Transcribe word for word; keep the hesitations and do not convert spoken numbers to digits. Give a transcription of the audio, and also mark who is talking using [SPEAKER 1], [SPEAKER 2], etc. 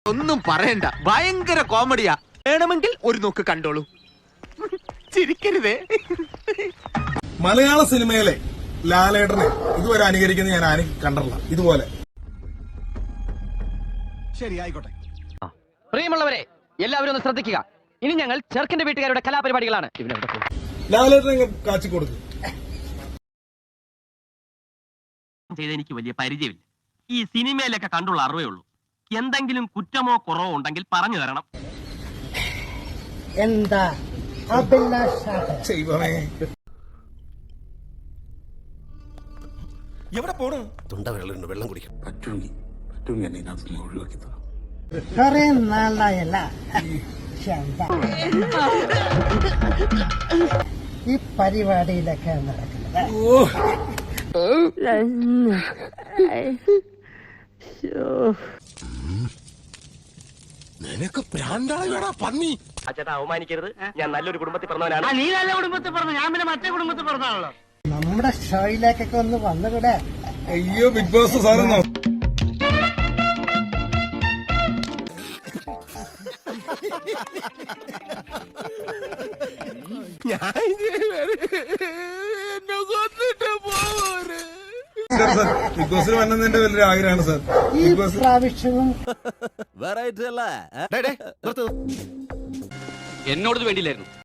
[SPEAKER 1] ഒന്നും പറയണ്ട, ഭയങ്കര കോമഡിയാ. വേണമെങ്കിൽ ഒരു നോക്ക് കണ്ടോളൂ. ചിരിക്കരുതേ.
[SPEAKER 2] മലയാള സിനിമയിലെ ലാലേട്ടനെ ഇതുവരെ അനുകരിക്കുന്നത് ഞാൻ ആരും കണ്ടിട്ടില്ല. ഇതുപോലെ
[SPEAKER 3] ശരി, ആയിക്കോട്ടെ.
[SPEAKER 4] പ്രിയമുള്ളവരെ, എല്ലാവരും ഒന്ന് ശ്രദ്ധിക്കുക. ഇനി ഞങ്ങൾ ചെറുക്കന്റെ വീട്ടുകാരുടെ കലാപരിപാടികളാണ്.
[SPEAKER 2] ലാലേട്ടനെ കാച്ചി കൊടുക്കും.
[SPEAKER 5] ചെയ്ത് എനിക്ക് വലിയ പരിചയമില്ല. ഈ സിനിമയിലൊക്കെ കണ്ടുള്ള അറിവേ ഉള്ളൂ. എന്തെങ്കിലും കുറ്റമോ കുറവോ ഉണ്ടെങ്കിൽ പറഞ്ഞു തരണം.
[SPEAKER 6] എന്താ
[SPEAKER 3] എവിടെ പോണു?
[SPEAKER 7] തൊണ്ട വെള്ളം വെള്ളം കുടിക്കും.
[SPEAKER 8] പറ്റുമെങ്കിൽ പറ്റുമെങ്കിൽ എന്നെ ഇതിനകത്ത് ഒഴിവാക്കി തരാം.
[SPEAKER 6] കൊറേ നാളായല്ല ഈ പരിപാടിയിലൊക്കെ നടക്കുന്നത്.
[SPEAKER 7] നിനക്ക് പ്രാന്താളാ പന്നി.
[SPEAKER 5] അച്ഛാ, അവമാനിക്കരുത്. ഞാൻ നല്ലൊരു കുടുംബത്തിൽ പറഞ്ഞവനാണ്.
[SPEAKER 4] നീ നല്ല കുടുംബത്തിൽ പറഞ്ഞു, ഞാൻ പിന്നെ മറ്റേ കുടുംബത്തിൽ പറഞ്ഞാണല്ലോ.
[SPEAKER 6] നമ്മുടെ ഷോയിലേക്കൊക്കെ ഒന്ന് വന്നുകൂടെ?
[SPEAKER 2] അയ്യോ, ബിഗ് ബോസ് സാറെന്നോ? ബിഗ് ബോസിൽ വന്നതിന്റെ വലിയൊരു ആഗ്രഹമാണ് സാർ.
[SPEAKER 6] ഈ പ്രാവശ്യവും
[SPEAKER 7] വെറൈറ്റി അല്ലേ?
[SPEAKER 1] എന്നോട് വേണ്ടിയില്ലായിരുന്നു.